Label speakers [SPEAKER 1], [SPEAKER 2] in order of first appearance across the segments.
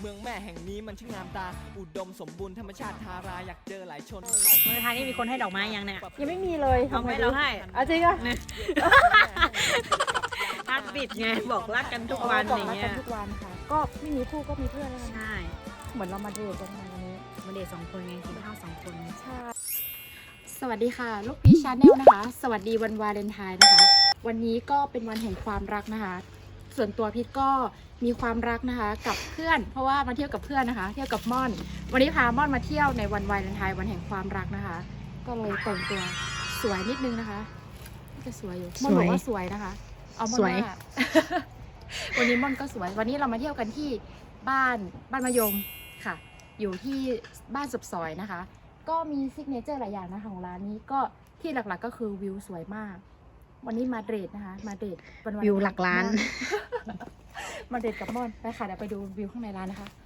[SPEAKER 1] มืองแม่แห่งนี้มันช่างงามตาอุดมสมบูรณ์ธรรมชาติทาราอยากเจอหลายชน
[SPEAKER 2] เมืองไทยนี่มีคนให้ดอกไม้ยังเนี่ย
[SPEAKER 3] ยังไม่มีเลย
[SPEAKER 2] เอาไหมเราให้
[SPEAKER 3] จริงอ่ะ
[SPEAKER 2] ฮาร์ดบิดไงบอกรักกันทุกวันอย่างเงี้ย
[SPEAKER 3] ทุกวันค่ะก็ไม่มีคู่ก็มีเพื่อนแล้วกัน
[SPEAKER 2] ใช่
[SPEAKER 3] เหมือนเรามาเดทกันวันนี้
[SPEAKER 2] มาเดท2 คนไงกินข้าว2 คน
[SPEAKER 3] ใช่
[SPEAKER 4] สวัสดีค่ะลูกพีชชาแนลนะคะสวัสดีวันวาเลนไทน์นะคะวันนี้ก็เป็นวันแห่งความรักนะคะส่วนตัวพีชก็มีความรักนะคะกับเพื่อนเพราะว่ามาเที่ยวกับเพื่อนนะคะเที่ยวกับม่อนวันนี้พาม่อนมาเที่ยวในวันวาเลนไทน์วันแห่งความรักนะคะก็เลยแต่งตัวสวยนิดนึงนะคะจะสวยอยู่ม่อนบอกว่าสวยนะคะเอาม่อนว่า วันนี้ม่อนก็สวยวันนี้เรามาเที่ยวกันที่บ้านมะยมค่ะอยู่ที่บ้านสุบซอยนะคะก็มีซิกเนเจอร์หลายอย่างนะคะของร้านนี้ก็ที่หลักๆก็คือวิวสวยมากวันนี้มาเดทนะคะมาเดท
[SPEAKER 2] วิวหลักล้าน
[SPEAKER 4] มาเดทกับม่อนไปค่ะเดี๋ยวไปดูวิวข้างในร้านนะคะ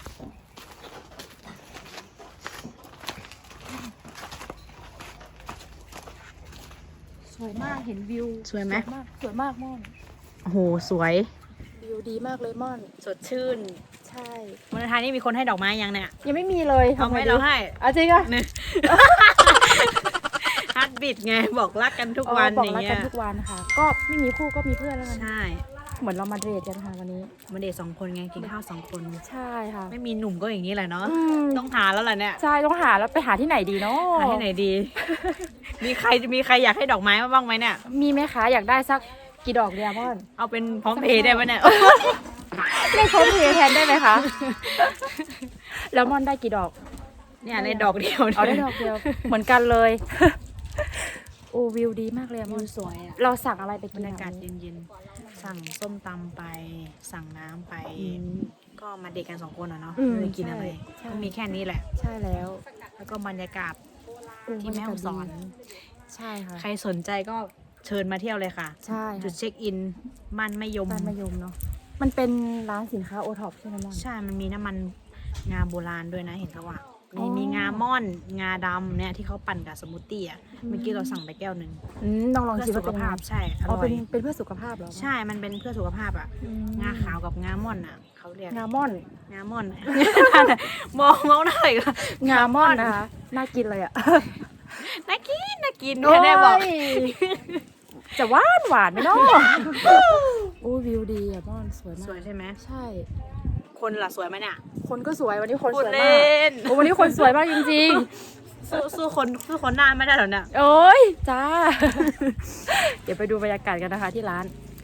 [SPEAKER 4] สวยมากเห็นวิว
[SPEAKER 2] สวยไหม
[SPEAKER 4] สวยมากม่อน
[SPEAKER 2] โอ้โหสวย
[SPEAKER 4] วิวดีมากเลยม่อน
[SPEAKER 2] สดชื่น
[SPEAKER 4] ใช่
[SPEAKER 2] เมืองไทยนี่มีคนให้ดอกไม้ยังเนี่ย
[SPEAKER 3] ยังไม่มีเลย
[SPEAKER 2] เอาไหมเราให้
[SPEAKER 3] จริงอ่ะ
[SPEAKER 2] ฮาร์ดบิดไงบอกรักกันทุกวันอย่างเงี้
[SPEAKER 3] บอกรักกั
[SPEAKER 2] ย
[SPEAKER 3] นทุกวันค่ะก็ไม่มีคู่ก็มีเพื่อนแล้วกัน
[SPEAKER 2] ใช่
[SPEAKER 3] เหมือนเรามาเดทกันค่ะวันนี้
[SPEAKER 2] มาเดท2 คนไงกินข้าว2 คน
[SPEAKER 3] ใช่ค่ะ
[SPEAKER 2] ไม่มีหนุ่มก็อย่างนี้แหละเนาะ
[SPEAKER 3] ต้
[SPEAKER 2] ต้องหาแล้วล่ะเนี่ย
[SPEAKER 3] ใช่ต้องหาแล้วไปหาที่ไหนดีเนาะ
[SPEAKER 2] หาที่ไหนดี มีใครอยากให้ดอกไม้มาบ้างไหมเนี่ย
[SPEAKER 3] มีไหมคะอยากได้สักกี่ดอกเดียวม่อน
[SPEAKER 2] เอาเป็นพร้อมเพย์ได้ไหมเนี่ย
[SPEAKER 3] เล่นโค้ดเพย์แทนได้ไหมคะ แล้วม่อนได้กี่ดอก
[SPEAKER 2] เนี่ยในดอกเดียว
[SPEAKER 3] เอาได้ดอกเดียว เหมือนกันเลย โอ้วิวดีมากเลยอะม่อน
[SPEAKER 2] สวยอ่ะ
[SPEAKER 3] เราสั่งอะไรไป
[SPEAKER 2] บ
[SPEAKER 3] กิ
[SPEAKER 2] ร
[SPEAKER 3] น
[SPEAKER 2] รยากาศเย็นๆ สั่งส้มตำไป สั่งน้ำไป ก็มาเด็กกัน2 คนอ่ะเนาะไม่ได้กินอะไรก็มีแค่นี้แหละ
[SPEAKER 3] ใช่แล้ว
[SPEAKER 2] แล้วก็บรรยากาศที่แม่ฮ่องสอน
[SPEAKER 3] ใช่ค่ะ
[SPEAKER 2] ใครสนใจก็เชิญมาเที่ยวเลยค่ะ
[SPEAKER 3] ใช่
[SPEAKER 2] จุดเช็คอินบ้านมะยม
[SPEAKER 3] บ้านมะยมเนาะมันเป็นร้านสินค้าโอท็อปใช่ไหมม่อน
[SPEAKER 2] ใช่ มันมีน้ำมันงาโบราณด้วยนะเห็นเขาว่า
[SPEAKER 3] อ๋อ
[SPEAKER 2] มีงาม่อน งาดำเนี่ยที่เขาปั่นกับสมูทตี้อ่ะ เมื่อกี้เราสั่งไปแก้วหนึ่ง
[SPEAKER 3] ต้องลอง
[SPEAKER 2] เพื่อ
[SPEAKER 3] ชิม
[SPEAKER 2] สุ
[SPEAKER 3] ว่า
[SPEAKER 2] ข
[SPEAKER 3] เป็นไง
[SPEAKER 2] ภาพใช่อ
[SPEAKER 3] อ๋อ
[SPEAKER 2] ร่อย
[SPEAKER 3] เป็นเพื่อสุขภาพเหรอ
[SPEAKER 2] ใช่ มันเป็นเพื่อสุขภาพอ่ะ งาขาวกับงาม่อนอ่ะเขาเรียก
[SPEAKER 3] งาม่อน
[SPEAKER 2] งาม่อน มองหน่อยก็
[SPEAKER 3] งาม่อนนะคะน่ากินเลยอ่ะ
[SPEAKER 2] น่ากินเนี่ยได้บอก
[SPEAKER 3] โยจะหวานไหมเนาะโอ้วิวดีอ่ะม่อนสวยมาก
[SPEAKER 2] สวยใช่ไหม
[SPEAKER 3] ใช่
[SPEAKER 2] คนล่ะสวยไหมเนี่ย
[SPEAKER 3] คนก็สวยวันนี้คน
[SPEAKER 2] พู
[SPEAKER 3] ส
[SPEAKER 2] ด
[SPEAKER 3] วย
[SPEAKER 2] เล่
[SPEAKER 3] มาก
[SPEAKER 2] น
[SPEAKER 3] โอ้วันนี้คนสวยมากจริง
[SPEAKER 2] สู้คนหน้าไม่ได้หรอเนี่ย
[SPEAKER 3] ๆ โอ้ยจ้า เดี๋ยวไปดูบรรยากาศกันนะคะที่ร้าน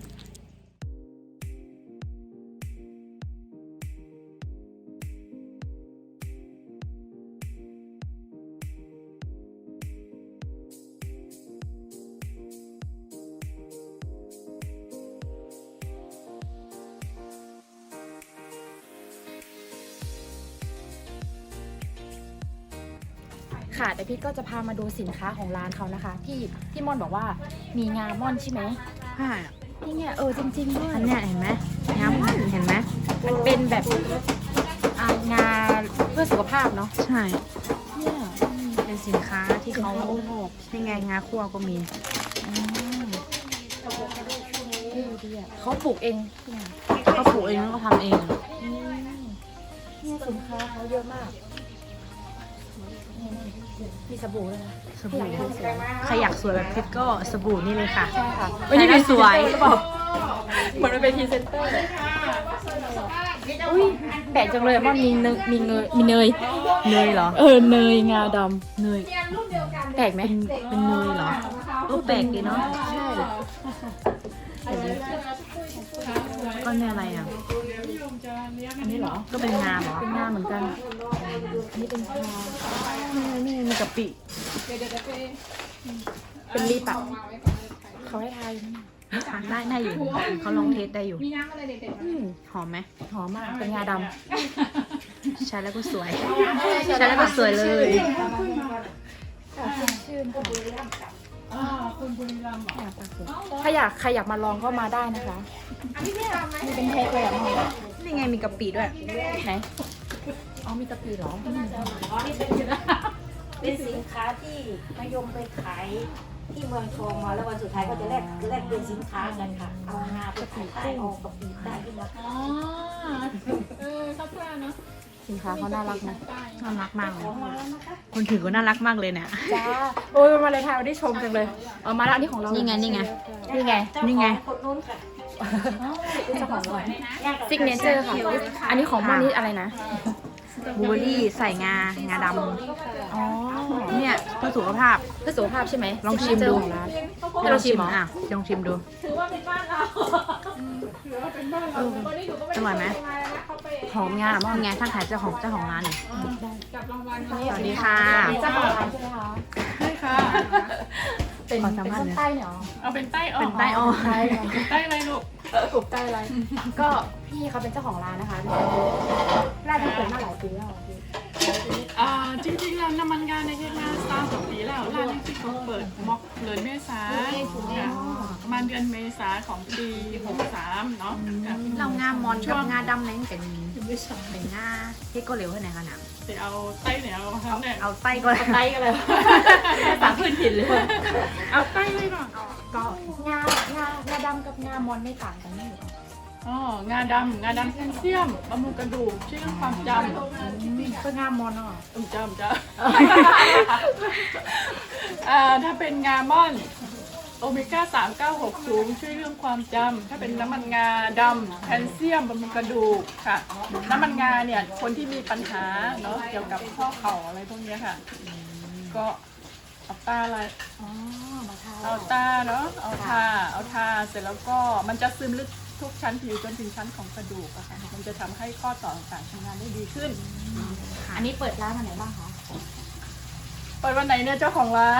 [SPEAKER 3] ค่ะแต่พี่ก็จะพามาดูสินค้าของร้านเขานะคะที่ม่อนบอกว่ามีงาม่อนใช่ไหม
[SPEAKER 2] ใช่
[SPEAKER 3] นี่ไงจริงๆด้วย
[SPEAKER 2] อันเนี้ยเห็นไหมงาม่อนเห็นไหม
[SPEAKER 3] มันเป็นแบบงาเพื่อสุขภาพเนาะ
[SPEAKER 2] ใช่
[SPEAKER 3] เนี่ย
[SPEAKER 2] เป็นสินค้าที่เขา
[SPEAKER 3] โอท็อป
[SPEAKER 2] นี่ไงงาคั่วก็มี
[SPEAKER 3] ดีอ่ะเขาปลูกเองเนี่ย
[SPEAKER 2] เขาปลูกเองแล้วก็ทำเองอะ
[SPEAKER 3] เนี่ยสินค้าเขาเยอะมากมีสบู่ด้วยนะ
[SPEAKER 2] สบู่ใครอยากสวยแบบพิษก็สบู่นี่เลยค่ะ
[SPEAKER 3] ใช่ค่ะ
[SPEAKER 2] วันนี้เป็นสวย
[SPEAKER 3] หรือเปล่าเหมือนมันเป็นพรีเซนเตอร์อุ้ยแปลกจังเลยอะมันมีเนย
[SPEAKER 2] เนยเหรอ
[SPEAKER 3] เนยงาด
[SPEAKER 2] เนย
[SPEAKER 3] ำแปลกไหม
[SPEAKER 2] เป็นเนยเหรอแปลกดีเนาะ
[SPEAKER 3] ใช่
[SPEAKER 2] ก็เนี่ยอะไรอ่ะ
[SPEAKER 3] อันนี้เหรอ
[SPEAKER 2] ก็เป็นงาเหรอ
[SPEAKER 3] เป็นงาเหมือนกันอันนี้เป็นชา
[SPEAKER 2] นี่มีกะปิ
[SPEAKER 3] เป็นลิปอะเขาให้ทายนะ
[SPEAKER 2] ทานได้อยู่เขาลองเทสได้อยู่หอมไหม
[SPEAKER 3] หอมมากเป็นงาดำ
[SPEAKER 2] ใช้แล้วก็สวยใช้แล้วก็สวยเลย
[SPEAKER 3] ชื่นค่ะถ้าอยากมาลองก็มาได้นะคะนี่เป็นเทคเลยอ่ะมอง
[SPEAKER 2] นี่ไงมีกะปิด้วย
[SPEAKER 3] ไหนอ๋อมีกะปิเหรอ
[SPEAKER 5] เป็นสินค้าที่มายมไปขายที่เมืองทองมาแล้ววันสุดท้ายก็จะแลกเป็นสินค้ากันค่ะ เอางาไปขายใต้เอากะปิใต้ขึ้นมา
[SPEAKER 4] อ๋อชอบเพื่อนเนาะสินค้าเขาน่ารักนะ
[SPEAKER 2] น่ารักมากเลยคนถือก็น่ารักมากเลยเนี่ย
[SPEAKER 4] จ้าโอ้ยมาเลยทายได้ชมจังเลยมาแล้วอันนี้ของเรา
[SPEAKER 2] นี่
[SPEAKER 4] นี่
[SPEAKER 2] ไงนี่ไง
[SPEAKER 4] นี่ไง
[SPEAKER 2] นี่ไง
[SPEAKER 5] คนนู้นค่ะ
[SPEAKER 4] เจ้าของเราซิกเนเจอร์ค่ะ อันนี้ของมันนี่อะไรนะ
[SPEAKER 2] บลูเบอร์รี่ใส่งาด
[SPEAKER 4] อ๋อ
[SPEAKER 2] ำเนี่ยเพื่อสุขภาพ
[SPEAKER 4] เพื่อสุขภาพใช่ไหม
[SPEAKER 2] ลองชิมดู
[SPEAKER 4] ซิกเนเจอร์ของร้านให้เราชิมเหรอ
[SPEAKER 2] อ่ะลองชิมดูอร่อยไหมหอมงาหอมงาท่านขายเจ้าของร้านนี่สวัสดีค่ะ
[SPEAKER 4] เจ้าของร้านใช่ไหมคะ
[SPEAKER 6] ใช่ค่ะ
[SPEAKER 4] เป็น
[SPEAKER 2] ขอสัมภาษณ์
[SPEAKER 4] คน
[SPEAKER 2] หน่อย
[SPEAKER 4] ใต้เนี่ยเหรอ
[SPEAKER 6] เอาเป็นใต้ออก
[SPEAKER 2] เป็นใต้อ้อ
[SPEAKER 4] ใช่ค่ะ
[SPEAKER 6] ใต้อะไรลูก
[SPEAKER 4] กลุ่มใต้อะไร ก็พี่เขาเป็นเจ้าของร้านนะคะร้านที่เปิดมาหลายปีแล้วพี่
[SPEAKER 6] จริงๆแล้วน้ำมันงานในเฮ็ดมา3-2 ปีแล้วร้านนี้ที่เขาเปิดม็อกเดือนเมษาค่ะประมาณเดือนเมษาของปี63เนาะค่ะ
[SPEAKER 2] เรางามอนกับงาดำนั่นเป็นงาที่ก็เหลวให้ไหนกันนะ
[SPEAKER 6] ไปเอาใต้เนี่ยเอาทั้งเนี่ย
[SPEAKER 2] เอาไส้ก็
[SPEAKER 4] ใต้กันเลยภาษาพื้นถิ่นเลย
[SPEAKER 6] เอาใต้เลยก่อน
[SPEAKER 4] ก็งาดำกับงามอนไม่ต่างกันนี่หรอ
[SPEAKER 6] อ๋องาดำแคลเซียมบำรุงกระดูกช่วยเรื่องความจำ
[SPEAKER 4] ก็งามอนอ่ะ
[SPEAKER 6] จำถ้าเป็นงาม่อนโอเมก้า 396 สูงช่วยเรื่องความจำถ้าเป็นน้ำมันงาดำแคลเซียมบำรุงกระดูกค่ะ น้ำมันงาเนี่ยคนที่มีปัญหาเนาะเกี่ยวกับข้อเข่าอะไรพวกเนี้ยค่ะ ก็เอาตาอะไร
[SPEAKER 4] อ๋อมาทา
[SPEAKER 6] เอาตาเนาะเอาทาเสร็จแล้วก็มันจะซึมลึกทุกชั้นผิวจนถึงชั้นของกระดูกอะค่ะมันจะทำให้ข้อต่อต่างๆทำงานได้ดีขึ้น
[SPEAKER 4] อันนี้เปิดร้านวันไหนบ้างคะ
[SPEAKER 6] เปิดวันไหนเนี่ยเจ้าของร้าน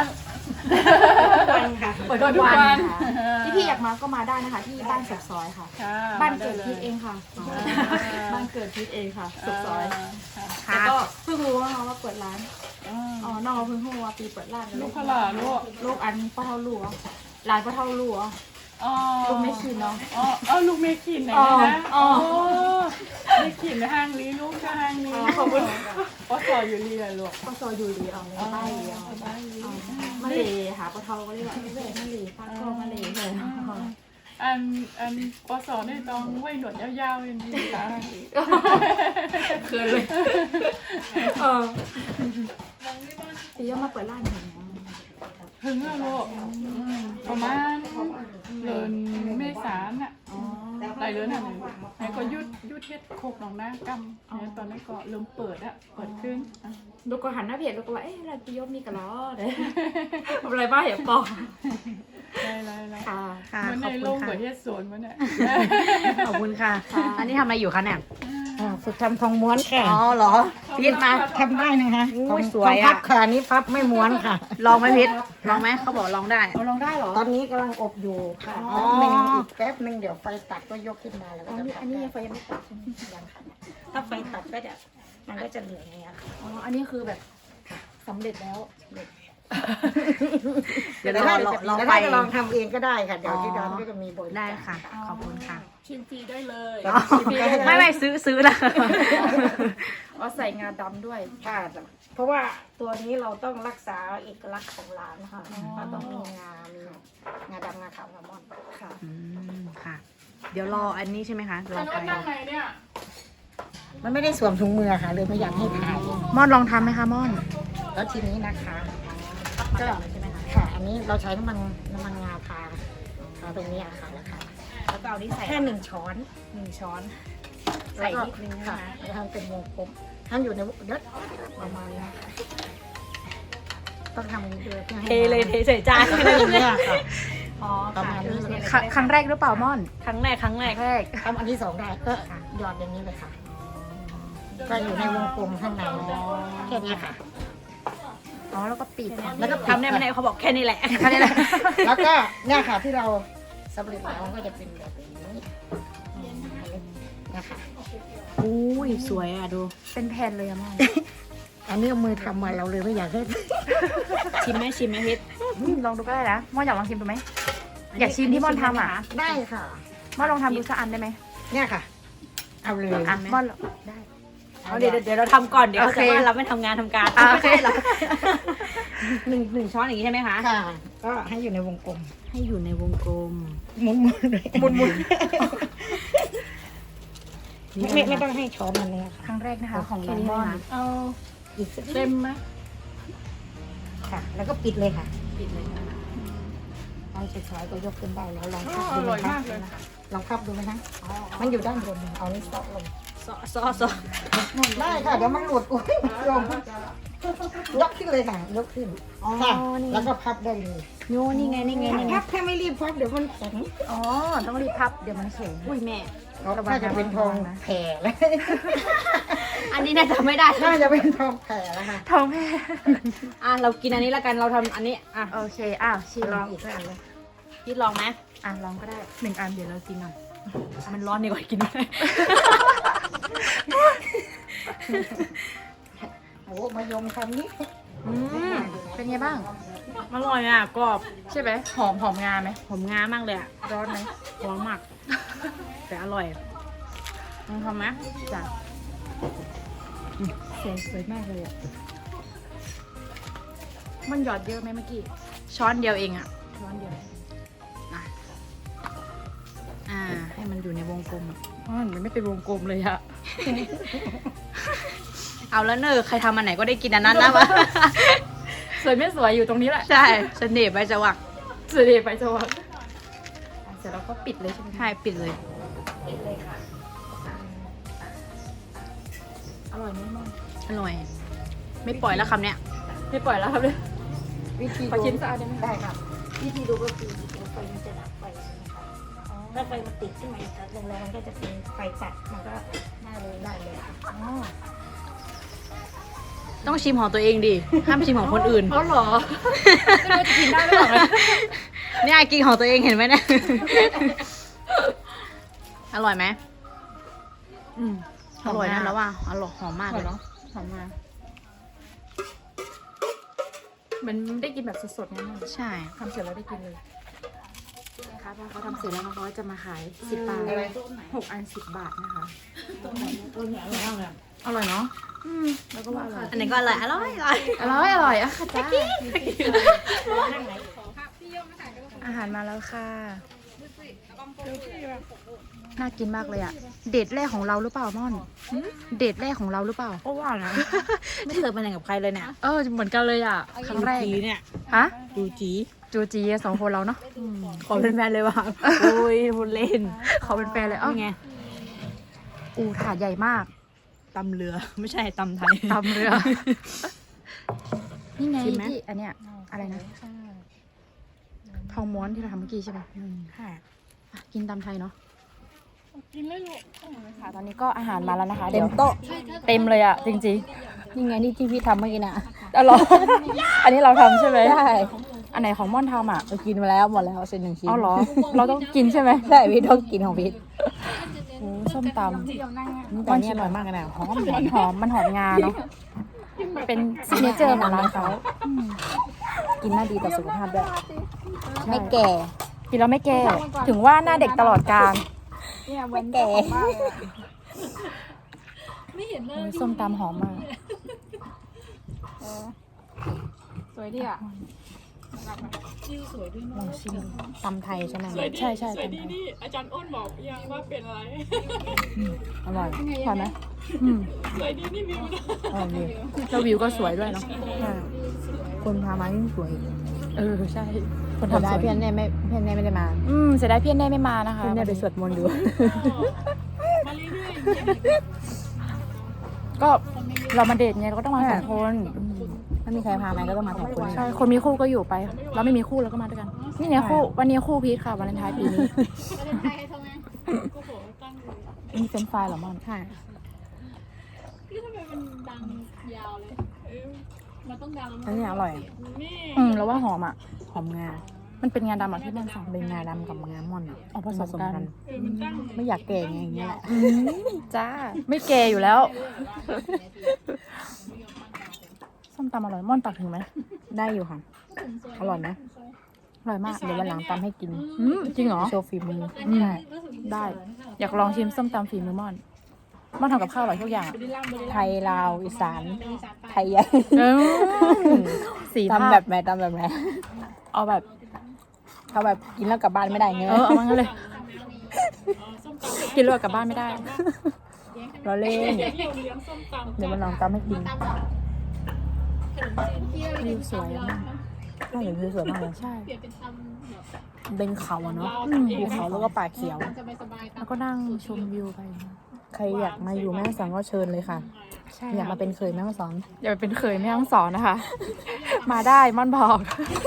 [SPEAKER 4] เปิด
[SPEAKER 6] ทุกวัน
[SPEAKER 4] ค่ะที่พี่อยากมาก็มาได้นะคะ ที่บ้านสุกซอยค่ะ
[SPEAKER 6] ค่ะ
[SPEAKER 4] บ้านเกิดพีทเอง
[SPEAKER 6] ค่ะ
[SPEAKER 4] ค่ะบ้านเกิดพีทเองค่ะสุกซอย
[SPEAKER 6] ค่ะ
[SPEAKER 4] แต่ก็เพิ่งรู้ว่าเปิดร้าน
[SPEAKER 6] อ่า
[SPEAKER 4] อ๋อน้องเพิ่งรู้ว่าปีเปิดร้าน
[SPEAKER 6] ลูกพลาลูก
[SPEAKER 4] ลูกอันป้าเท่าลูกอ่ะร้านป้าเท่าลูกอ่ะ
[SPEAKER 6] อ๋อ
[SPEAKER 4] ลูกไม่ชินเนาะ
[SPEAKER 6] อ๋อลูกเมคินไหนนะ
[SPEAKER 4] อ๋อ
[SPEAKER 6] เมคินในห้างนี้ลูกก็ห้างนี้
[SPEAKER 4] ขอบคุณ
[SPEAKER 6] ก็สออยู่เรียนลูก
[SPEAKER 4] ป้าซอยอยู่ดีเอาเลยป้าเดียว
[SPEAKER 6] บ้านนี้
[SPEAKER 4] มาเลยหาป้าเท่าก็เรียกว่ามาเลยป้าก็มาเลยเลย
[SPEAKER 6] อันปศเนี่ยต้องไว้หนวดยาวๆอย่างนี้ค่ะ
[SPEAKER 4] เกินเลยปีย่อมาเปิดร้านเห็นไหม
[SPEAKER 6] ถึงแล้วลูกประมาณเดือนเมษาน่ะหลายเดือนน่ะไหนก็ยุดเฮ็ดโคกหนองนากำเนี่ยตอนนี้ก็เริ่มเปิดขึ้น
[SPEAKER 4] ลูกก็หันหน้าเพจลูกก็ว่าเอ๊ะอะไรปีย่อมีกันล้อเลยทำอะไรบ้างอย่าปอก
[SPEAKER 6] ไร
[SPEAKER 4] ค่ะ
[SPEAKER 2] ค่ะ
[SPEAKER 6] มัน
[SPEAKER 2] ข
[SPEAKER 6] ใน
[SPEAKER 2] อบ
[SPEAKER 6] โล
[SPEAKER 2] คุณ
[SPEAKER 6] ก
[SPEAKER 2] ค่ะ
[SPEAKER 6] เปิดเฮ็ดสวนมันเนี่ย
[SPEAKER 2] ขอบคุณค่ะ อันนี้ทำอะไรอยู่คะเนี่ย
[SPEAKER 5] ฝึกทำทองม้วนค่ะ
[SPEAKER 2] อ๋อเหรอพีทมา
[SPEAKER 5] ทำได้นะคะ
[SPEAKER 2] อุ้ย
[SPEAKER 5] ทอง
[SPEAKER 2] สวยอะ
[SPEAKER 5] พับค่ะอันนี้พับไม่ม้วนค่ะ
[SPEAKER 2] ลองไหมพีทลองไหมเขาบอกลองได้
[SPEAKER 4] เอาลองได้เหรอ
[SPEAKER 5] ตอนนี้กำลังอบอยู่ค่ะ
[SPEAKER 2] อ๋อ
[SPEAKER 5] แป๊บหนึ่งเดี๋ยวไฟตัดก็ยกขึ้นมาแล้วก็จะ
[SPEAKER 4] อันนี้ยังไฟยังไม่ตัดใช่ไหม
[SPEAKER 5] ยังค่ะถ้าไฟตัดก็จะมันก็จะเหลืองอย่างเงี้ยค่ะ
[SPEAKER 4] อ๋ออันนี้คือแบบสำเร็จแล้ว
[SPEAKER 2] เดี๋ยว
[SPEAKER 5] แต่
[SPEAKER 2] ร
[SPEAKER 5] ถ้า
[SPEAKER 2] อ
[SPEAKER 5] แต่
[SPEAKER 2] ไฟ
[SPEAKER 5] ถ้าจะลองทำเองก็ได้ค่ะเดี๋ยวที่ร้านก็จะมีบริการ
[SPEAKER 2] ได้ค่ะ ขอบคุณค่ะ
[SPEAKER 6] ชิมฟรีได้เลย
[SPEAKER 2] อ๋อไม่ซื้อละ
[SPEAKER 4] อ๋อใส่งาดำด้วย
[SPEAKER 5] ค่ะเพราะว่าตัวนี้เราต้องรักษาเอกลักษณ์ของร้านค่ะเราต้องมีงาดำงาขาวงามอนค่ะ
[SPEAKER 2] อืมค่ะ เดี๋ยวรออันนี้ใช่ไหมคะรอ
[SPEAKER 6] อัน
[SPEAKER 2] ไฟ
[SPEAKER 6] นู้นนั่งไหนเนี่ย
[SPEAKER 5] มันไม่ได้สวมถุงมือค่ะเลยไม่อยากให้ถ่าย
[SPEAKER 2] ม่อนลองทำไหมคะม่อน
[SPEAKER 5] แล้วทีนี้นะคะก็
[SPEAKER 2] ใช่ไหมคะ
[SPEAKER 5] ค่ะ อันนี้เราใช้น้ำมันงาทาตรงนี้อะค่ะนะคะ
[SPEAKER 2] แล้วก็เอานี้ใส่
[SPEAKER 5] แค่1 ช้อน
[SPEAKER 2] 1 ช้อน
[SPEAKER 5] ใส่นิดนึงค่ะแล้วทำเป็นวงกลมทำอยู่ในเด็ดประมาณนี้ค่ะต้องทำอย่างนี้ด้วยพื่อให้
[SPEAKER 2] เทเลยเทใส่จาน
[SPEAKER 5] อะไรอย่างเงี้ยค่ะ
[SPEAKER 2] อ๋อ
[SPEAKER 5] ประมาณนี้เลย
[SPEAKER 2] ครั้งแรกหรือเปล่าม่อน ครั้งแรก
[SPEAKER 5] ทำอันที่2ได้ก็หยอดอย่างนี้เลยค่ะ ก็อยู่ในวงกลมข้างในแค่นี้ค่ะ
[SPEAKER 2] อ๋อแล้วก็ปิด
[SPEAKER 5] แล้วก็
[SPEAKER 2] ทำได้ไม่ได้เขาบอกแค่นี้แหละแค่นี้แหละ
[SPEAKER 5] แล้วก็เนี่ยค่ะที่เราสำเร็จแล้วก็จะเป็นแบบนี้นะคะ
[SPEAKER 2] อุ้ยสวยอ่ะดู เป็นแผ่นเลยอะม่อน
[SPEAKER 5] อันนี้เอามือทำมาเราเลยไม่อยากให้
[SPEAKER 2] ชิมไหมพิษลองดูก็ได้นะม่อนอยากลองชิมดูไหมอยากชิมที่ม่อนทำอ่ะ
[SPEAKER 5] ได้ค่ะ
[SPEAKER 2] ม่อนลองทำดูสักอันได้ไหม
[SPEAKER 5] เนี่ยค่ะ เอาเลย
[SPEAKER 2] อ่ะม่อนได้
[SPEAKER 5] เอาเดี๋ยวเราทำก่อนเดี๋ยว
[SPEAKER 2] โอเค
[SPEAKER 5] ว่าเราไม่ทำงานทำการ
[SPEAKER 2] อ่ะโอเค
[SPEAKER 5] หนึ่งช้อนอย่างนี้ใช่ไหมคะค่ะ ก็ให้อยู่ในวงกลม
[SPEAKER 2] ให้อยู่ในวงกลม
[SPEAKER 5] หมุนเลยหมุนไม่ต้องให้ช้อนมันเลยค่ะ
[SPEAKER 2] ครั้งแรกนะคะของน้องม่อน
[SPEAKER 6] เอา
[SPEAKER 5] อีกสัก
[SPEAKER 6] เต็มไหม
[SPEAKER 5] ค่ะ แล้วก็ปิดเลยค่ะปิดเลยเอาสวยๆก็ยกขึ้นได้แล้วลองพับ
[SPEAKER 6] อ
[SPEAKER 5] ดู
[SPEAKER 6] ร่อย
[SPEAKER 5] ไหม
[SPEAKER 6] มาก
[SPEAKER 5] คะ
[SPEAKER 6] เลย
[SPEAKER 5] ลองพับดูไหมคะมันอยู่ด้านบนเอานี่ซอลง
[SPEAKER 2] ซอ
[SPEAKER 5] ได้ค่ะเดี๋ยวมันหลุดอุ้ยลงยกขึ้นเลยค่ะยกขึ้นค่ะแล้วก็พับได้เลย
[SPEAKER 2] โยนี่ไงนี่ไงนี่ไง
[SPEAKER 5] พับถ้าไม่รีบพับเดี๋ยวมันแข็ง
[SPEAKER 2] อ๋อต้องรีบพับเดี๋ยวมันแข็งอุ้ยแม่
[SPEAKER 5] ถ้าจะเป็นทองแผ่แล้ว
[SPEAKER 2] อันนี้น่าจะไม่ได้
[SPEAKER 5] น่าจะเป็นทองแผ่แล้วค่ะ
[SPEAKER 2] ทองแม่อ่ะเรากินอันนี้แล้วกันเราทำอันนี้อ่ะ
[SPEAKER 3] โอเคอ้าวชิม
[SPEAKER 5] ลองอีกสักอันเลย
[SPEAKER 2] พี่ลองไหม
[SPEAKER 3] อ่ะลองก็ได้
[SPEAKER 2] 1 อันเดี๋ยวเรากินหน่อยมันร้อนดีกว่ากินไม่ได้
[SPEAKER 5] โอ้มายมคำนี้
[SPEAKER 3] เป็นไงบ้าง
[SPEAKER 2] อร่อยอ่ะกรอบ
[SPEAKER 3] ใช่ไหมหอมงาไหม
[SPEAKER 2] หอมงามากเลยอ่ะ
[SPEAKER 3] ร้อนไหม
[SPEAKER 2] ร้อนมากแต่อร่อยลองทำไหม
[SPEAKER 3] จ้ะสวยมากเลยอ่ะมันหยอดเยอะไหมเมื่อกี้
[SPEAKER 2] ช้อนเดียวเองอ่ะ
[SPEAKER 3] ช้อนเดียว
[SPEAKER 2] ให้มันอยู่ในวงกลมอะ
[SPEAKER 3] มันไม่เป็นวงกลมเลยอะ
[SPEAKER 2] เอาแล้วเนอะใครทำอันไหนก็ได้กินอันนั้นนะวะ
[SPEAKER 3] สวยไม่สวยอยู่ตรงนี้แหละ
[SPEAKER 2] ใช่เสน่ห์ใบจวัก
[SPEAKER 3] สวยดีไปจังหวะเสร็จแล้วก็ปิดเลยใช่ไหม
[SPEAKER 2] ใช่ปิดเลย
[SPEAKER 3] อร่อยไหมมั่ง
[SPEAKER 2] อร่อย ไม่ปล่อยแล้วคำเนี้ย
[SPEAKER 3] ไม่ปล่อยแล้วครับเลย
[SPEAKER 5] วิธี
[SPEAKER 3] ขอ
[SPEAKER 5] ดู
[SPEAKER 3] ชิ้นสะอาดได้ไหม
[SPEAKER 5] ได้ครับวิธีดูก็คือไฟมันจะดับไปนะคะถ้าไฟมันติดขึ้นมาอีกครั้งหนึ่งแล้วมันก็จะเป็นไฟจัดมันก็ได้เลยค่ะ
[SPEAKER 2] ต้องชิมของตัวเองดิห้ามชิมของคนอื่น
[SPEAKER 3] อ๋อเหรอไม่รู้จะกินได้หรือเปล่าเลย
[SPEAKER 2] เนี่ยกินของตัวเองเห็นไหมเนี่ย อร่อยไหมอร่อยนะแล้วว่าอร่อยหอมมาก
[SPEAKER 3] ห
[SPEAKER 2] เล
[SPEAKER 3] อม
[SPEAKER 2] ย
[SPEAKER 3] เนาะหอมมามันได้กินแบบสดๆไงมั่ง
[SPEAKER 2] ใช่
[SPEAKER 3] ทำเสร็จแล้วได้กินเลยนะคะพอเขาทำเสร็จแล้วเขาจะมาขาย10 บาท6 อัน10 บาทนะคะอร่อยเนาะแล้วก็ว่าอร่อย
[SPEAKER 2] อันนี้ก็อร่อยอร่อยอร่อย
[SPEAKER 3] อร่อยอะค่ะจ้าอาหารมาแล้วค่ะน่ากินมากเลยอะเดทแรกของเราหรือเปล่าม่อนเดทแรกของเราหรือเปล่า
[SPEAKER 2] ก็ว่านะไม่เคยไปไหนกับใครเลยเนี่ย
[SPEAKER 3] เหมือนกันเลยอะครั้งแรก
[SPEAKER 2] จีเนี่ย
[SPEAKER 3] ฮะ
[SPEAKER 2] ดูจี
[SPEAKER 3] จูจี2 คนเราเนาะ
[SPEAKER 2] ขอเป็นแฟนเลยว่ะโอ้ยพูดเล่น
[SPEAKER 3] เขาเป็นแฟนเลยไงถาดใหญ่มาก
[SPEAKER 2] ตำเรือไม่ใช่ตำไทย
[SPEAKER 3] ตำเรือ นี่ไง
[SPEAKER 2] ชิมไหม
[SPEAKER 3] ที่อันเนี้ยอะไรนะทองม้วนที่เราทำเมื่อกี้ใช่ไหม
[SPEAKER 2] ค่ะ
[SPEAKER 3] อ่ะกินตำไทยเนาะ
[SPEAKER 6] กินไม่รู้
[SPEAKER 3] ค่ะตอนนี้ก็อาหารมาแล้วนะคะ
[SPEAKER 2] เต็มโต๊ะ
[SPEAKER 3] เต็มเลยอ่ะจริง
[SPEAKER 2] นี่ไงนี่ที่พี่ทำเมื่อกี้น่ะ
[SPEAKER 3] ๆหรอ อันนี้เราทำใช่ไหม
[SPEAKER 2] ใช่
[SPEAKER 3] อันไหนของม่อนทำอ่ะ
[SPEAKER 2] เรากินมาแล้วหมดแล้วเสร็จ1 ชิ้น
[SPEAKER 3] เอาเหรอ เราต้องกินใช่ไหม
[SPEAKER 2] ใช่พี่ต้องกินของพี่
[SPEAKER 3] โอ้ส้มตำ
[SPEAKER 2] แต่อันนี่อร่อยมากเลยนะหอม
[SPEAKER 3] มันหอมงาเนาะเป็นซิกเนเจอร์ของร้านเขา
[SPEAKER 2] กินน่าดีต่อสุขภาพด้วยไม่แก่
[SPEAKER 3] กินแล้วไม่แก่ถึงว่าหน้าเด็กตลอดกาล
[SPEAKER 2] ไม่แก่
[SPEAKER 3] โอ้ยส้มตำหอมมาก
[SPEAKER 6] สวยดีอ่ะ
[SPEAKER 2] ลองชิมตำไทยใช่ไหม
[SPEAKER 3] ใช่ใช่
[SPEAKER 6] สวย
[SPEAKER 3] ตำ
[SPEAKER 6] ดี
[SPEAKER 3] ไทย
[SPEAKER 6] นี่อาจารย์อ้นบอกยังว่าเป็นอะไร
[SPEAKER 2] อร่อย
[SPEAKER 3] พอไหม
[SPEAKER 6] สวยดีนี่วิวนะ
[SPEAKER 2] อร่อยดี
[SPEAKER 3] แล้ววิวก็สวยด้วยเนาะ
[SPEAKER 2] คนพามายิ่งสวย
[SPEAKER 3] ใช่ คน
[SPEAKER 2] ทำ
[SPEAKER 3] ทำ
[SPEAKER 2] ได้
[SPEAKER 3] สวย
[SPEAKER 2] เพี่อนแน่ไม่ได้มา
[SPEAKER 3] เสียดายพี่แน่ไม่มานะคะ
[SPEAKER 2] เพี่อนแน่ไปสวดมนต์ดู
[SPEAKER 6] มาเรื่อยๆ
[SPEAKER 3] ก็เรามาเดทไงเราก็ต้องมาสองคน
[SPEAKER 2] ถ้ามีใครพามาก็ต้องมาสองคน
[SPEAKER 3] ใช่ คนมีคู่ก็อยู่ไป เราไม่มีคู่เราก็มาด้วยกัน นี่ไงคู่ วันนี้คู่พีทค่ะวาเลนไทน์ปีนี้
[SPEAKER 2] มีเฟรนช์ฟรายเหรอม่อนใช่
[SPEAKER 6] นี่ทำไมมันดังยาวเลยมันต้องดัง
[SPEAKER 2] อันนี้อร่อย
[SPEAKER 6] นี่
[SPEAKER 3] แล้วว่าหอมอ่ะ
[SPEAKER 2] หอมงา
[SPEAKER 3] มันเป็นงาดำอ่ะที่ม่อนสั่ง
[SPEAKER 2] เป็นงาดำกับงาม่อนอ่ะ
[SPEAKER 3] ผสมกัน
[SPEAKER 6] มันตั้ง
[SPEAKER 2] ไม่อยากแก่ไงอย่างเงี้ยแหละ
[SPEAKER 3] จ้า ไม่แก่อยู่แล้ว ส้มตำอร่อยม่อนตักถึงไหม
[SPEAKER 2] ได้อยู่ค่ะอร่อยนะ
[SPEAKER 3] อร่อยมาก
[SPEAKER 2] เดี๋ยววันหลังตำให้กิน
[SPEAKER 3] จริงเหรอ
[SPEAKER 2] โชว์ฝีมือ
[SPEAKER 3] ใช่ได้ อยากลองชิมส้มตำฝีมือม่อนม่อนทำกับข้าวอร่อยทุกอย่างอะ
[SPEAKER 2] ไทยลาวอีสานไทยใหญ่
[SPEAKER 3] สี
[SPEAKER 2] ตำแบบไหนตำแบบไหน
[SPEAKER 3] เอาแบบ
[SPEAKER 2] เขาแบบกินแล้วกลับบ้านไม่ได้เงี้ย
[SPEAKER 3] เอามางั้นเลย กินแล้วกลับบ้านไม่ได้
[SPEAKER 2] เราเล่นเดี๋ยวมันลองตำให้กิน
[SPEAKER 4] วิวสวยมาก
[SPEAKER 2] ใช่วิวสวยมากเลย
[SPEAKER 4] ใช่
[SPEAKER 2] เป็นเขาอะเนาะภูเขาแล้วก็ป่าเขียว
[SPEAKER 4] แล้วก็นั่งชมวิวไป
[SPEAKER 2] ใครอยากมาอยู่แม่ฮ่องสอนก็เชิญเลยค่ะ
[SPEAKER 4] ใช่
[SPEAKER 2] อยากมาเป็นเคยแม่ฮ่องสอน
[SPEAKER 4] อย่าไปเป็นเคยแม่ฮ่องสอนนะคะ มาได้ม่อนบอก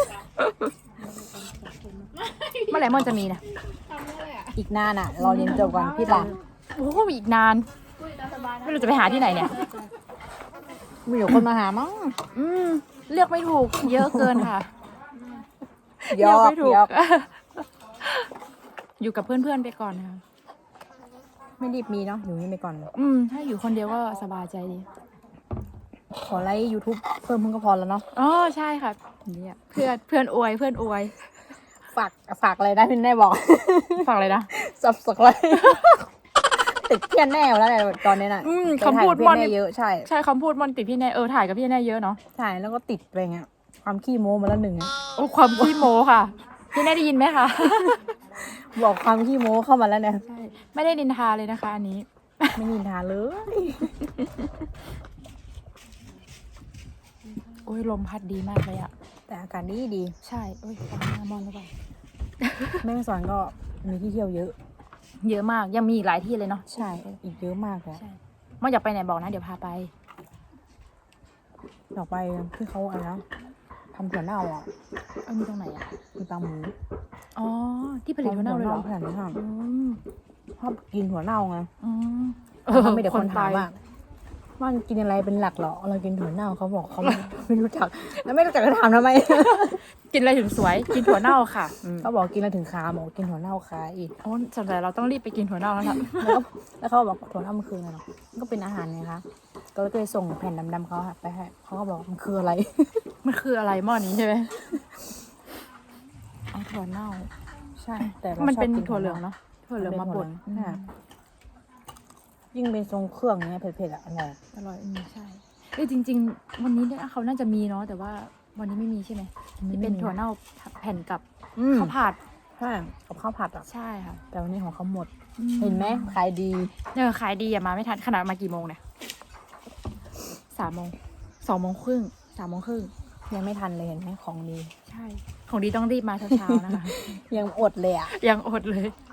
[SPEAKER 4] เมื่อไหร่ม่อนจะมีนะ
[SPEAKER 2] อีกนานอ่ะรอเรียนจบก่อนพี่หลัง
[SPEAKER 4] โอ้โหอีกนาน ไม่รู้จะไปหาที่ไหนเนี่ย
[SPEAKER 2] มีอยู่คนมาหามั้ง
[SPEAKER 4] เลือกไม่ถูก เยอะเกินค่ะ
[SPEAKER 2] ยอก
[SPEAKER 4] เลืไม่ถูก
[SPEAKER 2] ยอก
[SPEAKER 4] อยู่กับเพื่อนๆไปก่อนค่ะ
[SPEAKER 2] ไม่รีบมีเนาะอยู่นี่ไปก่อน
[SPEAKER 4] ถ้าอยู่คนเดียวก็สบายใจดี
[SPEAKER 2] ขอไลค์ YouTube เพิ่มมึงก็พอแล้วเนาะ
[SPEAKER 4] อ๋อใช่ค่ะเนี่ยเพื่อนอวยเพื่อนอวย
[SPEAKER 2] ฝากอะไรนะพี่แน่บอก
[SPEAKER 4] ฟังเลยนะ
[SPEAKER 2] สับเลยติดเพี้ยนแน่แล้วเนี่ยตอนนี้น่ะ
[SPEAKER 4] คำพูด
[SPEAKER 2] ไป
[SPEAKER 4] ม่อน
[SPEAKER 2] ถ่ายกับเพี้ยนแน่เยอะใช่
[SPEAKER 4] ใช่คำพูดม่อนติดพี่แน่ถ่ายกับพี่แน่เยอะเนาะ
[SPEAKER 2] ใช่แล้วก็ติดไปเงี้ยความขี้โม้มาแล้วหนึ่งอะ
[SPEAKER 4] โอ้ความขี้โมค่ะ พี่แน่ได้ยินไหมคะ
[SPEAKER 2] บอกความขี้โม้เข้ามาแล้วเนี่ย
[SPEAKER 4] ใช่ไม่ได้นินทาเลยนะคะอันนี้
[SPEAKER 2] ไม่นินทาเลย
[SPEAKER 4] โอ้ยลมพัดดีมากเลยอะ
[SPEAKER 2] แต่อากาศดีดี
[SPEAKER 4] ใช่โอ้ยฟังหน้ามอนหรือเปล่า
[SPEAKER 2] แม่ฮ่องสอนก็มีที่เที่ยวเยอะ
[SPEAKER 4] เยอะมากยังมีอีกหลายที่เลยเนาะ
[SPEAKER 2] ใช่อีกเยอะมากเลย
[SPEAKER 4] ใช่ม่อนอยากไปไหนบอกนะเดี๋ยวพาไป
[SPEAKER 2] ออกไปที่เขาอะไรนะทำถั่วเน่าอ่ะ
[SPEAKER 4] มีตรงไหนอะ
[SPEAKER 2] มีปลาหมู
[SPEAKER 4] อ๋อที่ผลิตถั่วเน่าเลยเหรอ
[SPEAKER 2] ขนาดนี้ค่ะ
[SPEAKER 4] อืม
[SPEAKER 2] ชอบกินถั่วเน่าไง
[SPEAKER 4] อืม
[SPEAKER 2] เขาไม่เด็กคนถาม
[SPEAKER 4] ไป
[SPEAKER 2] ว่ากินอะไรเป็นหลักเหรอเรากินถั่วเน่าเขาบอกเขาไม่รู้จักแล้วไม่รู้จักจะถามทำไม
[SPEAKER 4] กินอะไรถึงสวย กินถั่วเน่าค่ะ
[SPEAKER 2] เขาบอกกินแล้วถึงขาบอกกินถั่วเน่าขาอีก
[SPEAKER 4] โอ้สงสัยเราต้องรีบไปกินถั่วเน่าแล้วล่ะ
[SPEAKER 2] แล้วเขาบอกถั่วเน่ามันคืออะไรเนาะมันก็เป็นอาหารไงคะก็เลยส่งแผ่นดำๆเขาไปให้เขาก็บอกมันคืออะไร
[SPEAKER 4] มันคืออะไรหม้อนี้ใช่ไหมเอาถั่วเน่า
[SPEAKER 2] ใช่แต่รา
[SPEAKER 4] มันเป็น
[SPEAKER 2] ชอบกิ
[SPEAKER 4] ถั่วเหลืองเนาะถั่วเหลืองมาบด
[SPEAKER 2] ใช่ยิ่งเป็นทรงเครื่องเนี้ยเผ็ดๆอ่ะอร่อย
[SPEAKER 4] อร่อยใช่เอ้ยจริง ๆ วันนี้เนี่ยเขาน่าจะมีเนาะแต่ว่าวันนี้ไม่มีใช่ไหมที่เป็นถั่วเน่าแผ่นกับข้าวผัด
[SPEAKER 2] ใช่กับข้าวผัดอ่ะ
[SPEAKER 4] ใช่ค่ะ
[SPEAKER 2] แต่วันนี้ของเขาหมด เห็นไหมขายดี
[SPEAKER 4] ขายดีอะมาไม่ทันขนาดมากี่โมงเนี่ย3 โมง2 โมงครึ่ง3 โมงครึ่ง
[SPEAKER 2] ยังไม่ทันเลยเห็นไหมของดี
[SPEAKER 4] ใช่ของดีต้องรีบมาเช้าๆนะคะ
[SPEAKER 2] ยังอดเลยอ่ะ
[SPEAKER 4] ยังอดเลย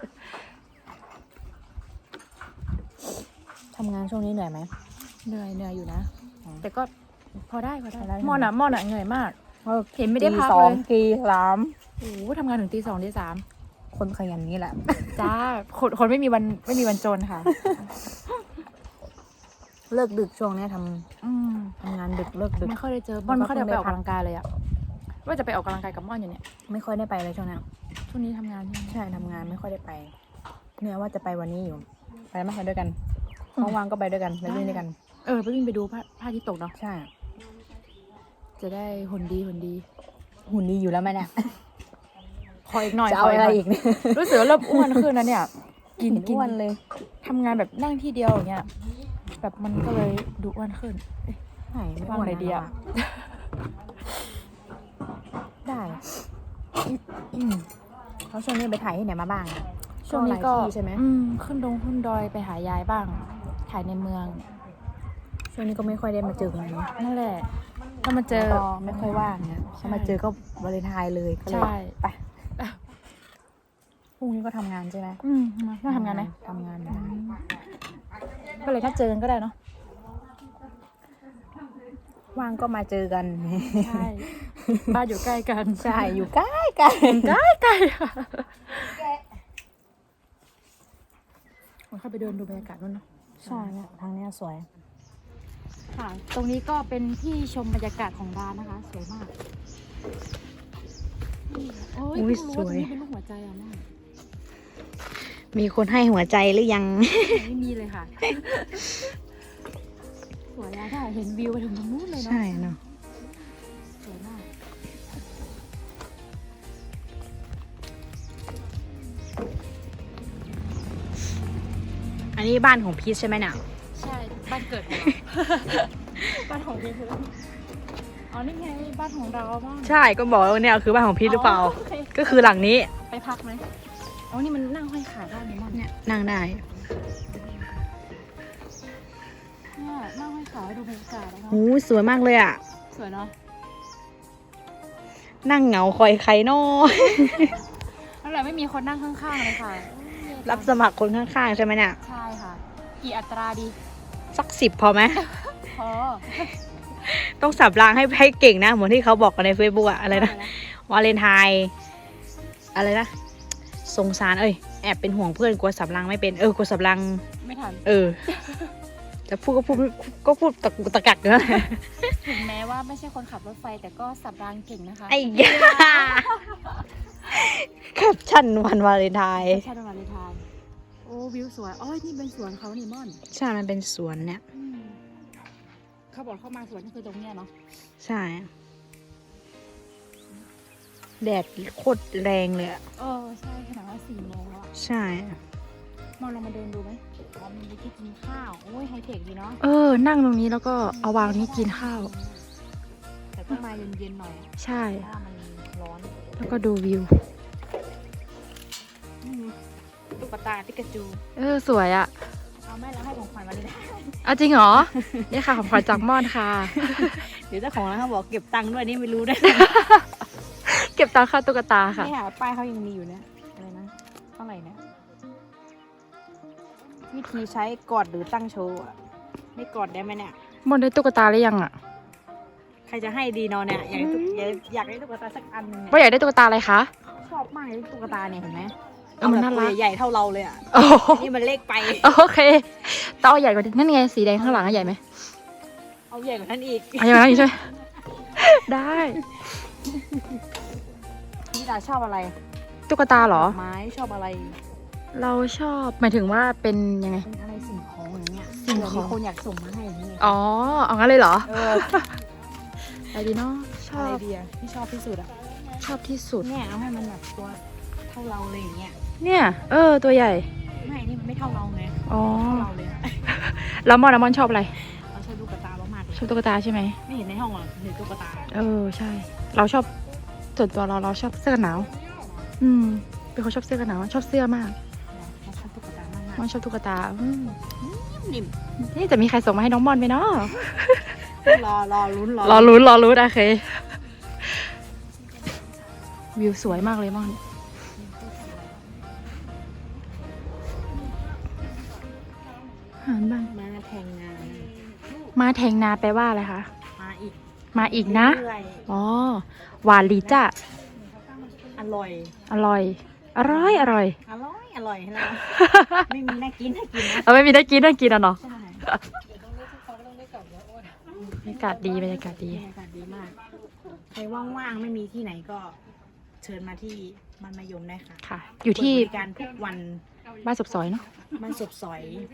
[SPEAKER 2] ทำงานช่วงนี้เหนื่อยไหม
[SPEAKER 4] เหนื่อยอยู่นะ แต่ก็พอได้
[SPEAKER 2] พอได้
[SPEAKER 4] ม่อนอะเหนื่อยมาก เห็นไม่ได้
[SPEAKER 2] ตี
[SPEAKER 4] พัก
[SPEAKER 2] สอง
[SPEAKER 4] เลย
[SPEAKER 2] ตีสาม
[SPEAKER 4] โอ้โหทำงานถึงตี 2ตี
[SPEAKER 2] คนขยันนี่แหละ
[SPEAKER 4] 3จ้าคนไม่มีวันจนค่ะ
[SPEAKER 2] เลิกดึกช่วงนี้ท
[SPEAKER 4] อืม
[SPEAKER 2] ำงานดึกเลิกดึก
[SPEAKER 4] ไม่ค่อยได้เจอม่อนไม่ค่อยได้ไปออกกำลังกายเลยอะว่าจะไปออกกำลังกายกับม่อนอยู่เนี่ย
[SPEAKER 2] ไม่ค่อยได้ไปเลยช่วงนี้
[SPEAKER 4] ช่วงนี้ทำงานใช่ไหม
[SPEAKER 2] ใช่ทำงานไม่ค่อยได้ไป เนี่ยว่าจะไปวันนี้อยู่ ไปไหมไปด้วยกันว่างๆก็ไปด้วยกันไปเล่นด้วยกัน
[SPEAKER 4] ไปวิ่งไปดูพระอาทิตย์ตกเนาะ
[SPEAKER 2] ใช่
[SPEAKER 4] จะได้หุ่นดี
[SPEAKER 2] หุ่นดีอยู่แล้วไหมเนี่ย
[SPEAKER 4] ขออีกหน่อย
[SPEAKER 2] จะเอา
[SPEAKER 4] ข
[SPEAKER 2] อะไร
[SPEAKER 4] หน่ย
[SPEAKER 2] อีกเนี่ย
[SPEAKER 4] รู้สึกว่าเริ่มอ้วนขึ้นนะเนี่ย กิน
[SPEAKER 2] เห็อ้วนเลย
[SPEAKER 4] ทำงานแบบนั่งที่เดียวอย่างเงี้ยแบบมันก็เลยดูอ้วนขึ้น
[SPEAKER 2] ไหนไม่
[SPEAKER 4] ว่าง
[SPEAKER 2] อ้วน
[SPEAKER 4] ไหนดีอะ
[SPEAKER 2] ได้แล้วช่วงนี้ไปถ่ายที่ไหนมาบ้างอะ
[SPEAKER 4] ช่วงนี้ก็
[SPEAKER 2] หลายที่ใช่ไหม
[SPEAKER 4] ขึ้นดอยไปหายายบ้าง ถ่ายในเมือง
[SPEAKER 2] ช่วงนี้ก็ไม่ค่อยได้มาเจอกันเนาะ
[SPEAKER 4] นั่นแหละถ้ามาเจอ
[SPEAKER 2] ก็ไม่ค่อยว่างนะ
[SPEAKER 4] ใช่
[SPEAKER 2] ถ้ามาเจอก็วาเลนไทน์เลยก็เลย
[SPEAKER 4] ใช่
[SPEAKER 2] ไปพรุ่งนี้ก็ทำงานใช่ไหม
[SPEAKER 4] มาทำงานไหม
[SPEAKER 2] ทำงานนะ
[SPEAKER 4] ก็เลยถ้าเจอกันก็ได้เนาะ
[SPEAKER 2] ว่างก็มาเจอกัน
[SPEAKER 4] ใช่บ้านอยู่ใกล้กัน
[SPEAKER 2] ใช่อยู่ใกล้กัน
[SPEAKER 4] ใกล้ค่ะผมเข้าไปเดินดูบรรยากาศนู่นเนาะ
[SPEAKER 2] ใช่เนี่ยทางเนี้ยสวย
[SPEAKER 4] ค่ะ ตรงนี้ก็เป็นที่ชมบรรยากาศของร้านนะคะ สวยมากโอ้ย
[SPEAKER 2] อุ๊ย
[SPEAKER 4] เพิ่งรู้ว่าตรงนี้
[SPEAKER 2] สวย
[SPEAKER 4] เป็นรูปหัวใจอ่ะแม่
[SPEAKER 2] มีคนให้หัวใจหรือยัง
[SPEAKER 4] ไม่มีเลยค่ะ สวยอะค่ะเห็นวิวไปถึงตรงนู้นเลยเนาะ
[SPEAKER 2] ใช่เนาะ
[SPEAKER 4] สวยมาก
[SPEAKER 2] อันนี้บ้านของพีชใช่ไหมเนี่ย
[SPEAKER 4] ใช่บ้านเกิดของเรา บ้านของพี่คืออ๋อนี่ไงบ้านของเราบ้าง
[SPEAKER 2] ใช่ก็บอกว่าเนี่ยคือบ้านของพีชหรือเปล่า
[SPEAKER 4] โอเค
[SPEAKER 2] ก็คือหลังนี้
[SPEAKER 4] ไปพักไหมอ๋อนี่มันนั่งห้อยขาได้ไหมมั่น
[SPEAKER 2] เนี่ยนั่งได้
[SPEAKER 4] นั่งให้ขาดูบรรยากาศนะคะ
[SPEAKER 2] โอ้สวยมากเลยอ่ะ
[SPEAKER 4] สวยเนาะ
[SPEAKER 2] นั่งเหงาคอยใครนอ
[SPEAKER 4] แล้วเราไม่มีคนนั่งข้างๆเลยค่ะ
[SPEAKER 2] รับสมัครคนข้างๆใช่ไหมเนี่ย
[SPEAKER 4] ใช่ค่ะ กี่อัตราดี
[SPEAKER 2] สัก10พอไหม
[SPEAKER 4] พอ
[SPEAKER 2] ต้องสับรางให้เก่งนะ เหมือนที่เขาบอกกันใน Facebook อะอะไรนะ วาเลนไทน์อะไรนะ สงสารแอบเป็นห่วงเพื่อนกลัวสับรางไม่เป็นกลัวสับราง
[SPEAKER 4] ไม่ทัน
[SPEAKER 2] จะพูดก็พูดตะกุกตะกักเนอะ
[SPEAKER 4] ถึงแม้ว่าไม่ใช่คนขับรถไฟแต่ก็สับรางเก่งนะคะ
[SPEAKER 2] ไอ้ยาแคปชั่นวันวาเลนไทน์
[SPEAKER 4] ใช่ประมาณนี้ทานโอ้วิวสวยอ๋อนี่เป็นสวนเขานี่ม่อน
[SPEAKER 2] ใช่ มันเป็นสวนเนี่ย
[SPEAKER 4] เขาบอกเข้ามาสวนก็คือตรงเนี้ยเนาะ
[SPEAKER 2] ใช่ แดดโคตรแรงเลยอะ
[SPEAKER 4] ใช่ขนาดว่า4 โมงแล้วอะ
[SPEAKER 2] ใช่
[SPEAKER 4] มองลงมาเดินดูไหมอ๋อมีที่กินข้าวโอ้ยไฮเทคดีเนาะ
[SPEAKER 3] นั่งตรงนี้แล้วก็เอาวางนี้กินข้าว
[SPEAKER 4] แต่ต้องมาเย็นๆหน่อย
[SPEAKER 3] ใช่
[SPEAKER 4] เพราะว่ามันร้อน
[SPEAKER 3] แล้วก็ดูวิว
[SPEAKER 4] ตุ๊กตาปิกาจู
[SPEAKER 3] สวยอะ
[SPEAKER 4] เอาไม่แล้วให้ของขวัญมาเลยนะ
[SPEAKER 3] เอาจริงเหรอ นี่ค่ะของขวัญจากม่อนค่ะ
[SPEAKER 2] เดี๋ยวเจ้าของร้านเขาบอกเก็บตังค์ด้วยนี่ไม่รู้ด้วย
[SPEAKER 3] เก็บตังค่าตุ๊กตาค่ะ
[SPEAKER 4] นี่ค่ะป้ายเขายังมีอยู่เนี่ยอะไรนะเท่าไหร่เนี่ยวิธีใช้กอดหรือตั้งโชว์อะ
[SPEAKER 2] ไม่กอดได้ไหมเนี่ย
[SPEAKER 3] ม่อนได้ตุ๊กตาหรือยังอะ
[SPEAKER 2] ใครจะให้ดีนอนเนี่ย อยากได้ตุ๊กตาสักอันนึงเนี่ย
[SPEAKER 3] ว่าอยากได้ตุ๊กตาอะไรคะ
[SPEAKER 2] ชอบมากเลยตุ๊กตาเนี่ยเห็นไหม
[SPEAKER 3] มันน่ารัก
[SPEAKER 2] เอแบบตัวใหญ่ๆเท่าเราเลยอ่ะ
[SPEAKER 3] โอ้โห
[SPEAKER 2] นี่มันเล็กไป
[SPEAKER 3] โอเคต้องเอาใหญ่กว่านี้นั่นไงสีแดงข้างหลังอะใหญ่ไหม
[SPEAKER 2] เอาใหญ่กว่านั้นอีก
[SPEAKER 3] เอาใหญ่กว่านั้นอีกใช่ไหมได้
[SPEAKER 2] พี่ดาชอบอะไร
[SPEAKER 3] ตุ๊กตาเหรอ
[SPEAKER 2] ไม้ชอบอะไร
[SPEAKER 3] เราชอบหมายถึงว่าเป็นยังไง
[SPEAKER 2] เป็นอะไรสิ่งของอย่างเงี้ย
[SPEAKER 3] สิ่งของ
[SPEAKER 2] เผื่มีคนอยากส่งมาให้อย่างเงี้ย
[SPEAKER 3] อ๋อเอางั้นเลยเหรอ
[SPEAKER 2] อะไร
[SPEAKER 3] ดีเนาะชอบ
[SPEAKER 2] ดีอะที่ชอบที่สุดอะ
[SPEAKER 3] ชอบที่สุด
[SPEAKER 2] เนี่ยเอาให้มันแบบตัวเท่าเราเลยอย่างเงี้ย
[SPEAKER 3] เนี่ยตัวใหญ่
[SPEAKER 2] ไม่นี่มันไม่เท่าเราไง
[SPEAKER 3] อ๋อ
[SPEAKER 2] เท่าเราเลยอะ
[SPEAKER 3] แล้วมอนชอบอะไร
[SPEAKER 2] เราชอบตุ๊กตามากๆเลย
[SPEAKER 3] ชอบตุ๊กตาใช่ไหม
[SPEAKER 2] ไม่เห็นในห้องหรอกเห็นตุ๊กตา
[SPEAKER 3] ใช่ เราชอบส่วนตัวเราชอบเสื้อกันหนาวเป็นคนชอบเสื้อกันหนาวชอบเสื้อมาก
[SPEAKER 2] เราชอบตุ๊กตามาก
[SPEAKER 3] มอนชอบตุ๊กตา
[SPEAKER 2] ๆนิ่ม
[SPEAKER 3] นี่จะมีใครส่งมาให้น้องมอนไหมเนาะ
[SPEAKER 2] รอลุ้น
[SPEAKER 3] รอลุ้นโอเควิวสวยมากเลยมอนอาหารบ้าง
[SPEAKER 2] มาแทงงาน
[SPEAKER 3] มาแทงนาแปลว่าอะไรคะ
[SPEAKER 2] มาอีก
[SPEAKER 3] มาอีกนะ
[SPEAKER 2] เรื่อย
[SPEAKER 3] อ๋อหวานลีจ้ะ
[SPEAKER 2] ๆอร่อย
[SPEAKER 3] อร่อยอร่อย
[SPEAKER 2] อร่อยนะไม่มีน่ากินนะ
[SPEAKER 3] เอาไม่มีได้กินอ่ะเนาะ
[SPEAKER 2] ใช่
[SPEAKER 3] บรรยากาศดีบรรยากาศดี
[SPEAKER 2] บรรยากาศดีมากใครว่างๆไม่มีที่ไหนก็เชิญมาที่บ้านมะยมได้ค่ะ
[SPEAKER 3] ค่ะ อยู่ที่
[SPEAKER 2] เปิดบริการทุกวัน
[SPEAKER 3] บ้านศพซอยเนาะ
[SPEAKER 2] บ้านศพสอย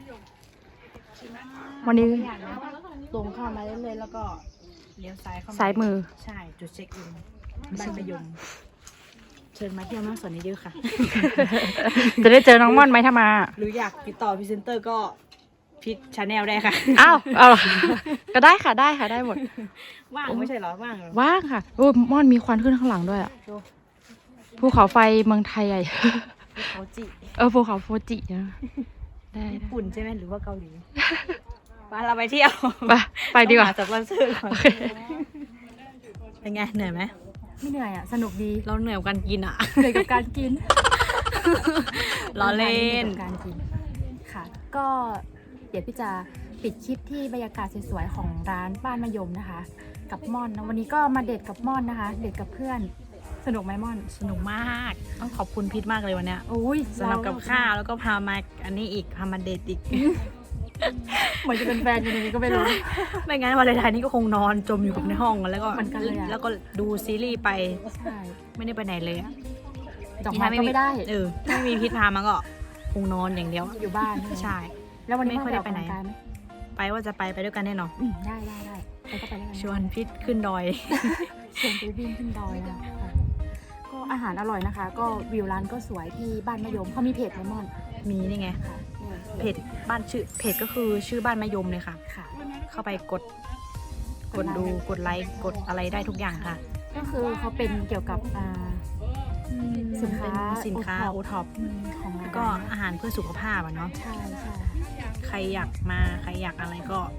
[SPEAKER 3] วันนี้
[SPEAKER 2] ไม่ยากนะตรงเข้ามาเรื่อยๆแล้วก็เลี้ยวซ้ายเข้ามา
[SPEAKER 3] ซ้ายมือ
[SPEAKER 2] ใช่จุดเช็คอินบ้านมะยม เชิญมาเที่ยวน้ำสวนเยอะๆค่ะ
[SPEAKER 3] จะได้เจอน้องม่อนไหมถ้ามา
[SPEAKER 2] หรืออยากติดต่อพรีเซนเตอร์ก็พิชชาแนลได้ค่ะ
[SPEAKER 3] อ้าวก็ได้ค่ะได้หมด
[SPEAKER 2] ว่างไม่ใช่เหรอว่างเหรอ
[SPEAKER 3] ว่างค่ะโอ้ยม่อนมีควันขึ้นข้างหลังด้วยอ่ะ
[SPEAKER 2] ดู
[SPEAKER 3] ภูเขาไฟเมืองไทยใหญ่
[SPEAKER 2] เขาจิ
[SPEAKER 3] ภูเขาโฟจินะได้
[SPEAKER 2] ญี่ปุ่นใช่ไหมหรือว่าเกาหลีไปเราไปเที่ยว
[SPEAKER 3] ไปดีกว่า
[SPEAKER 2] ต้องหจากวันซื้อก่อนเป็นไงเหนื่อยไหม
[SPEAKER 4] ไม่เหนื่อยอ่ะสนุกดี
[SPEAKER 2] เราเหนื่อยกับการกินอ่ะ
[SPEAKER 4] เหนื่อยกับการกิน
[SPEAKER 2] ล้อเล่น
[SPEAKER 4] กับการกินค่ะ ก็เดี๋ยวพี่จะปิดคลิปที่บรรยากาศสวยๆของร้านบ้านมะยมนะคะ กับม่อนนะวันนี้ก็มาเดทกับม่อนนะคะ เดทกับเพื่อนสนุกไหมม่อน
[SPEAKER 2] สนุกมากต้องขอบคุณพิทมากเลยวันเนี้ย
[SPEAKER 4] โอ้ย
[SPEAKER 2] สำหรับกับข้าวแล้วก็พามาอันนี้อีกพามาเดทอีก
[SPEAKER 4] เหมือนจะเป็นแฟนกันอย่างนี้ก็ไม่รู้
[SPEAKER 2] ไม่งั้นวันเลนไทน์นี้ก็คงนอนจมอยู่กับในห้องแล้วก็
[SPEAKER 4] เหมือนกันเลยอะ
[SPEAKER 2] แล้วก็ดูซีรีส์ไป
[SPEAKER 4] ใช่
[SPEAKER 2] ไม่ได้ไปไหนเลยอะ
[SPEAKER 4] ดอกไม้ก็ไม่ได้
[SPEAKER 2] ถ้าไม่มีพิทพามาก็คงนอนอย่างเดียว
[SPEAKER 4] อยู่บ้าน
[SPEAKER 2] ใช่
[SPEAKER 4] แล้ววันนี้
[SPEAKER 2] ไม่ค่อยได้ไปไหน
[SPEAKER 4] ออกกำลังกายม
[SPEAKER 2] ไปว่าจะไปด้วยกันแน่นอน
[SPEAKER 4] ได้ไปก็ไปด้วยกัน
[SPEAKER 2] ชวนพิทขึ้นดอย
[SPEAKER 4] ชวนไปวิ่งขึ้นดอยนะคะก็อาหารอร่อยนะคะ ก็วิวร้านก็สวยที่บ้านมะยมเขามีเพจไมมอน
[SPEAKER 2] มีนี่ไง
[SPEAKER 4] ค่ะ
[SPEAKER 2] เพจบ้านเพจก็คือชื่อบ้านมะยมเลยค่ะ
[SPEAKER 4] ค่ะ
[SPEAKER 2] เข้าไปกดดูกดไลค์กดอะไรได้ทุกอย่างค่ะ
[SPEAKER 4] ก็คือเขาเป็นเกี่ยวกับสินค้า
[SPEAKER 2] เป็นสินค้าโอท็อป
[SPEAKER 4] ของร้าน
[SPEAKER 2] ก็อาหารเพื่อสุขภาพอะเนาะ
[SPEAKER 4] ใช่
[SPEAKER 2] ใครอยากมาใครอยากอะไรก็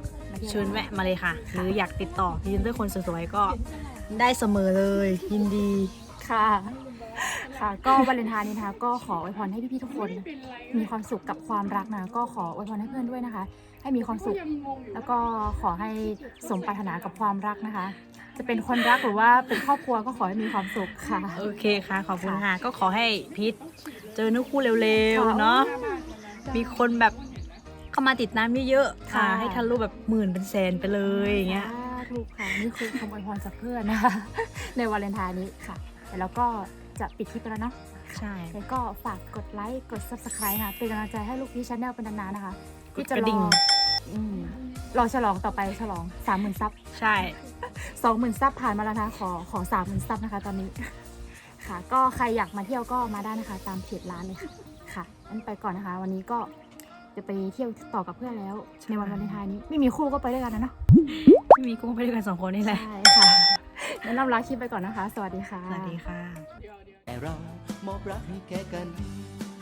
[SPEAKER 4] ที่ยว
[SPEAKER 2] เชิญแวะมาเลยค่ะ หรืออยากติดต่อพรีเซนเตอร์คนสวยๆก็ได้เสมอเลยยินดี
[SPEAKER 4] ค่ะค่ะ ก็วาเลนไทน์นี้นะคะก็ขออวยพรให้พี่ๆทุกคนมีความสุขกับความรักนะก็ขออวยพรให้เพื่อนด้วยนะคะ ให้มีความสุข แล้วก็ขอให้สมปรารถนากับความรักนะคะ จะเป็นคนรักหรือว่าเป็นครอบครัวก็ขอให้มีความสุขค่ะ
[SPEAKER 2] โอเคค่ะ ขอบคุณค่ะ ก็ขอให้พีทเจอเนื้อคู่เร็วๆเนาะมีคนแบบเข้ามาติดตามเยอะๆค่ะ
[SPEAKER 4] ค่ะ
[SPEAKER 2] ให้ทะลุแบบหมื่นเป็นแสนไปเลยอย่างเงี้ย
[SPEAKER 4] ถูกค่ะนี่คือคำอวยพรจากเพื่อนนะคะ ในวาเลนไทน์นี้ค่ะแต่แล้วก็จะปิดคลิปไปแล้วเนาะ
[SPEAKER 2] ใช่
[SPEAKER 4] แล้วก็ฝากกดไลค์กด subscribe นะเป็นกำลังใจให้ลูกพี่ชาแนลเป็นนานๆนะคะ
[SPEAKER 2] กด
[SPEAKER 4] ที่จะ
[SPEAKER 2] กระดิ่ง
[SPEAKER 4] รอฉลองต่อไปฉลอง 30,000 ซับ
[SPEAKER 2] ใช่
[SPEAKER 4] 20,000 ซับผ่านมาแล้วนะคะขอ 30,000 ซับนะคะตอนนี้ ค่ะ ก็ใครอยากมาเที่ยวก็มาได้นะคะ ตามเพจร้านเลยค่ะค่ะงั้นไปก่อนนะคะ วันนี้ก็จะไปเที่ยวต่อกับเพื่อนแล้วในวันวาเลนไทน์นี้ไม่มีคู่ก็ไปด้วยกันนะเนาะ
[SPEAKER 2] ไม่มีกุ้งไปด้วยกัน2 คนนี่แหละ
[SPEAKER 4] ใช่ค่ะงั้นเราลาคลิปไปก่อนนะคะ สวัสดีค่ะ
[SPEAKER 2] สวัสดีค่ะ
[SPEAKER 1] แต่เรามอบรักให้แก่กัน